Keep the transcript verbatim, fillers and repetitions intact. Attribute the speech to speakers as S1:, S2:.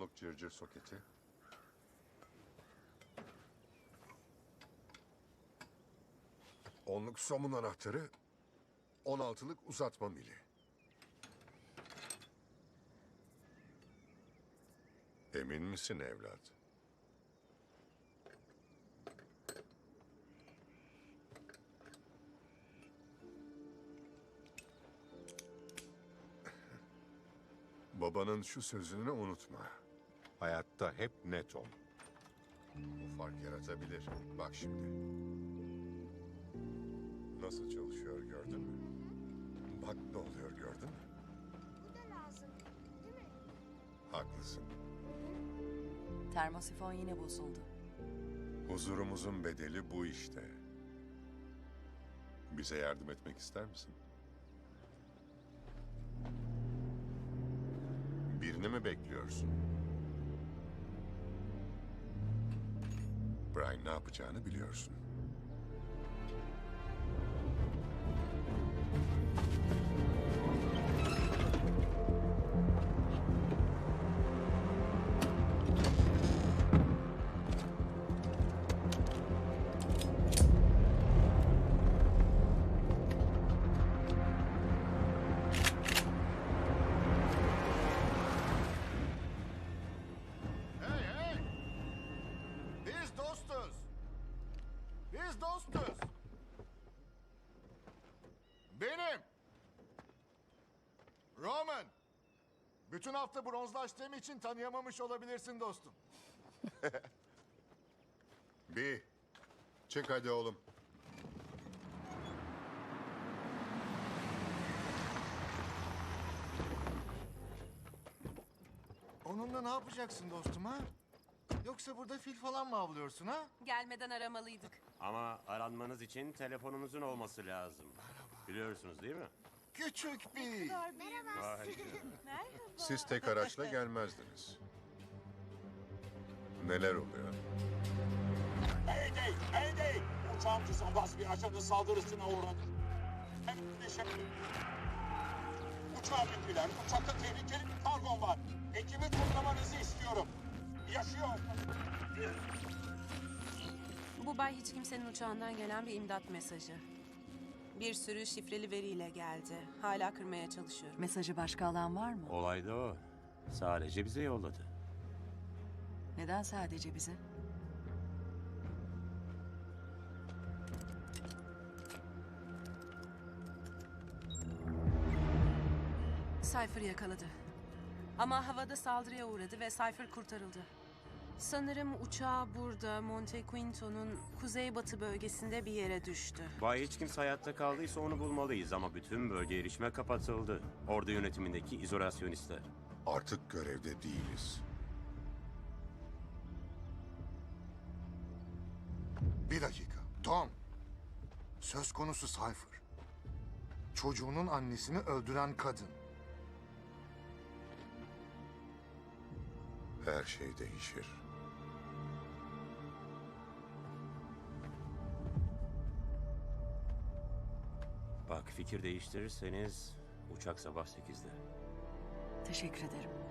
S1: onluk cırcır soketi. Onluk somun anahtarı. On altılık uzatma mili. Emin misin evlat? Babanın şu sözünü unutma. Hayatta hep net ol. Bu fark yaratabilir. Bak şimdi. Nasıl çalışıyor gördün mü? Bak ne oluyor gördün mü?
S2: Bu da lazım, değil mi?
S1: Haklısın.
S3: Termosifon yine bozuldu.
S1: Huzurumuzun bedeli bu işte. Bize yardım etmek ister misin? Birini mi bekliyorsun? Brian ne yapacağını biliyorsun.
S4: Hey hey! Biz dostuz. Biz dostuz. Benim. Roman. Bütün hafta bronzlaştığım için tanıyamamış olabilirsin dostum.
S1: Bir. Çık hadi oğlum.
S4: Onunla ne yapacaksın dostum ha? Yoksa burada fil falan mı avlıyorsun ha?
S3: Gelmeden aramalıydık.
S5: Ama aranmanız için telefonumuzun olması lazım. Biliyorsunuz değil mi?
S4: Küçük bir.
S2: Merhaba.
S5: Vay.
S1: Siz tek araçla gelmezdiniz. Neler oluyor?
S6: Mayday! Mayday! Uçağın düzenbaz bir ajanın saldırısına uğradı. Hem de şey... Uçağa bindiler. Uçakta tehlikeli bir kargon var. Ekibi toplamanızı istiyorum. Yaşıyor.
S7: Bu bay hiç kimsenin uçağından gelen bir imdat mesajı. Bir sürü şifreli veriyle geldi. Hala kırmaya çalışıyorum.
S3: Mesajı başka alan var mı?
S5: Olay da o. Sadece bize yolladı.
S3: Neden sadece bize?
S7: Cypher yakaladı. Ama havada saldırıya uğradı ve Cypher kurtarıldı. Sanırım uçağı burada Monte Quinto'nun kuzeybatı bölgesinde bir yere düştü.
S5: Bay hiç kimse hayatta kaldıysa onu bulmalıyız ama bütün bölge erişime kapatıldı. Ordu yönetimindeki izolasyonistler.
S1: Artık görevde değiliz.
S4: Bir dakika. Tom. Söz konusu Cypher. Çocuğunun annesini öldüren kadın.
S1: Her şey değişir.
S5: Bak fikir değiştirirseniz uçak sabah sekizde.
S3: Teşekkür ederim.